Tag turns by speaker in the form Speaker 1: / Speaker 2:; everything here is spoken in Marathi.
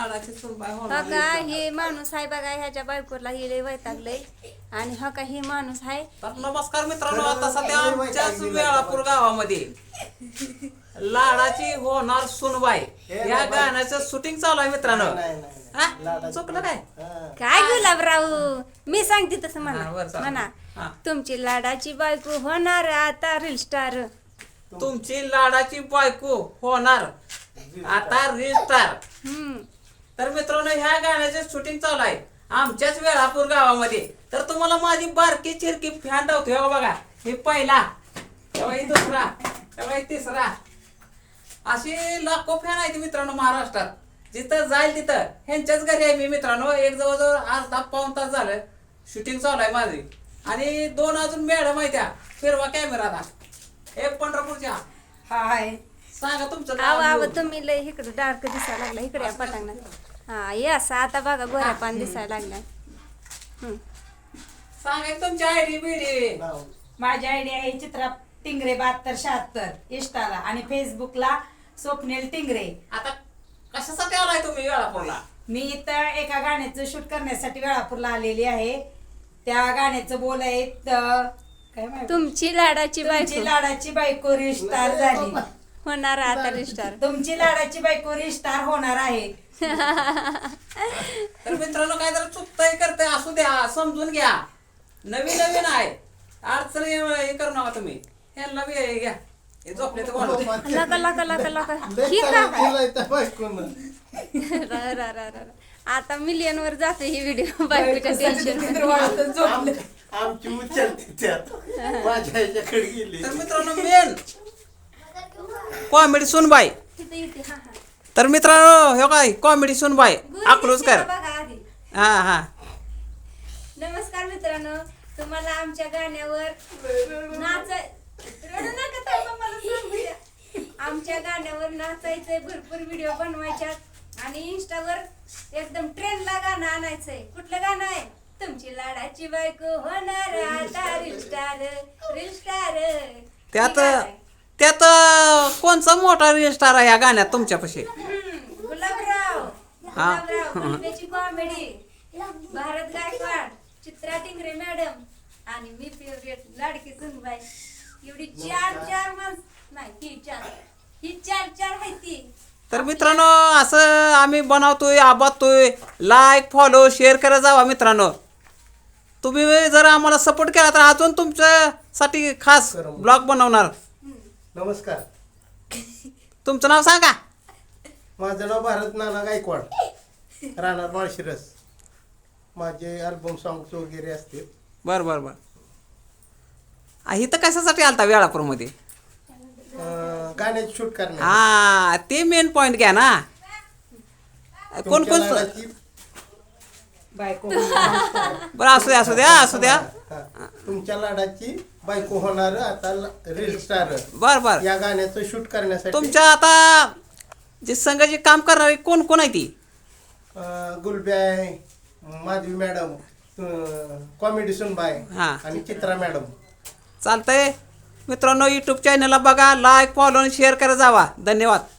Speaker 1: लाडाची सुनबाई होणार.
Speaker 2: हो का हे माणूस आहे बघा ह्याच्या बायकोला हे लय वैतागलंय आणि हो का हे माणूस आहे
Speaker 1: तर नमस्कार मित्रांनो, आता सध्या आमच्याच वेळापूर गावामध्ये लाडाची होणार सुनबाई या गाण्याचं शूटिंग चालू आहे मित्रांनो. हा? चुकलं काय?
Speaker 2: काय गुलाबराव मी सांगते तसं
Speaker 1: हा,
Speaker 2: म्हणा
Speaker 1: बरं, चालेल.
Speaker 2: म्हणा
Speaker 1: हा.
Speaker 2: तुमची लाडाची बायको होणार आता रील स्टार.
Speaker 1: तुमची लाडाची बायको होणार आता रील स्टार. तर मित्रांनो, ह्या गाण्याचे शूटिंग चालू आहे आमच्याच वेळापूर गावामध्ये. तर तुम्हाला माझी बारकी चिरकी फॅन दावतो. हे बघा, हे पहिला, तेव्हा ही दुसरा, तेव्हा ही तिसरा, असे लाखो फॅन आहेत मित्रांनो महाराष्ट्रात. जिथं जाईल तिथं ह्यांच्याच घरी आहे मी मित्रांनो. एक जवळजवळ अर्धा पाऊण तास झालं शूटिंग चालू आहे माझी. आणि 2 अजून मॅडम आहे त्या. फिरवा कॅमेरा आता. हे पंढरपूरच्या.
Speaker 3: हाय
Speaker 1: सांगा तुमचं
Speaker 2: आव आव
Speaker 1: नाव.
Speaker 2: तुम्ही लय इकडे डार्क दिसायला लागला इकडे या पटांगणात. हा ये असं आता बघा गोऱ्या पान दिसायला लागला.
Speaker 1: सांगा की तुमची आयडी बिडी.
Speaker 3: माझी आयडी आहे चित्रा टिंगरे 7276 इंस्टाला आणि फेसबुकला स्वप्नेल टिंगरे.
Speaker 1: आता कशासाठी आलाय तुम्ही वेळापूरला?
Speaker 3: मी इथं एका गाण्याचं शूट करण्यासाठी वेळापूरला आलेली आहे. त्या गाण्याचं बोल आहे काय माहिती?
Speaker 2: तुमची लाडाची
Speaker 3: तुमची
Speaker 2: बायको
Speaker 3: लाडाची बायको रिस्टार झाली.
Speaker 2: होणार आता रील स्टार.
Speaker 3: तुमची लाडाची बायको रिस्टार होणार आहे.
Speaker 1: तर मित्रांनो, काय जरा चुकतंय करतंय असू द्या, समजून घ्या. नवीन नवीन आहे, अडचण हे करू नका तुम्ही. ह्यांना बी हे घ्या, हे झोपले तर बोलू दे.
Speaker 2: लका लका लका लका ही का आता मिलियन वर जातो ही व्हिडिओ बायकोच्या टेन्शन.
Speaker 4: आमची उचलते त्यात माझ्या ह्याच्याकडे गेली.
Speaker 1: तर मित्रांनो, मेन कॉमेडी सुनबाई. तर मित्रांनो, हे काय कॉमेडी सुनबाई अकलूजकर. हा हा.
Speaker 2: नमस्कार मित्रांनो, तुम्हाला आमच्या गाण्यावर रडू नका ताई, मला सांगू द्या. आमच्या गाण्यावर नाचायचंय, भरपूर व्हिडिओ बनवायच्यात आणि इंस्टावर एकदम ट्रेंडला गाणं आणायचंय. कुठलं गाणं आहे? तुमची लाडाची बायको होणार आता रील स्टार. रील स्टार
Speaker 1: त्यात कोणचा मोठा रील स्टार आहे या गाण्यात तुमच्यापाशी?
Speaker 2: गुलाबराव. गुलाबराव त्याची कॉमेडी, भारत गायकवाड, चित्रा टिंगरे मॅडम आणि मी फेवरेट लाडकी सुनबाई. एवढी चार माणसं नाही, ही चार आहे ती.
Speaker 1: तर मित्रांनो, असं आम्ही बनवतोय, आबादतोय. लाईक, फॉलो, शेअर करत जावा मित्रांनो. तुम्ही जर आम्हाला सपोर्ट केला तर अजून तुमच्यासाठी खास ब्लॉग बनवणार.
Speaker 4: नमस्कार,
Speaker 1: तुमचं नाव सांगा.
Speaker 4: माझं नाव भारत नाना गायकवाड, राहणार माळशिरस. माझे अल्बम सॉंग्स वगैरे असते.
Speaker 1: बर बर बर. इथं कशासाठी आलता वेळापूरमध्ये?
Speaker 4: गाण्याचे शूट करण्यासाठी.
Speaker 1: हा, ते मेन पॉइंट घ्या ना. कोण
Speaker 4: तुमच्या
Speaker 1: कोण?
Speaker 4: लाडाची
Speaker 3: बायको
Speaker 1: बरं, असू द्या असू द्या असू द्या.
Speaker 4: हा, तुमच्या लाडाची बायको होणार आता रील स्टार
Speaker 1: बर बर.
Speaker 4: या गाण्याचं शूट करण्यासाठी
Speaker 1: तुमच्या आता जे संघ जे काम करणारे कोण कोण आहे ती?
Speaker 4: गुलब्याय, माधवी मॅडम, कॉमेडी सुनबाई
Speaker 1: हा.
Speaker 4: आणि चित्रा मॅडम.
Speaker 1: चालतंय मित्रांनो, यूट्यूब चॅनलला बघा, लाईक, फॉलो आणि शेअर करत जावा. धन्यवाद.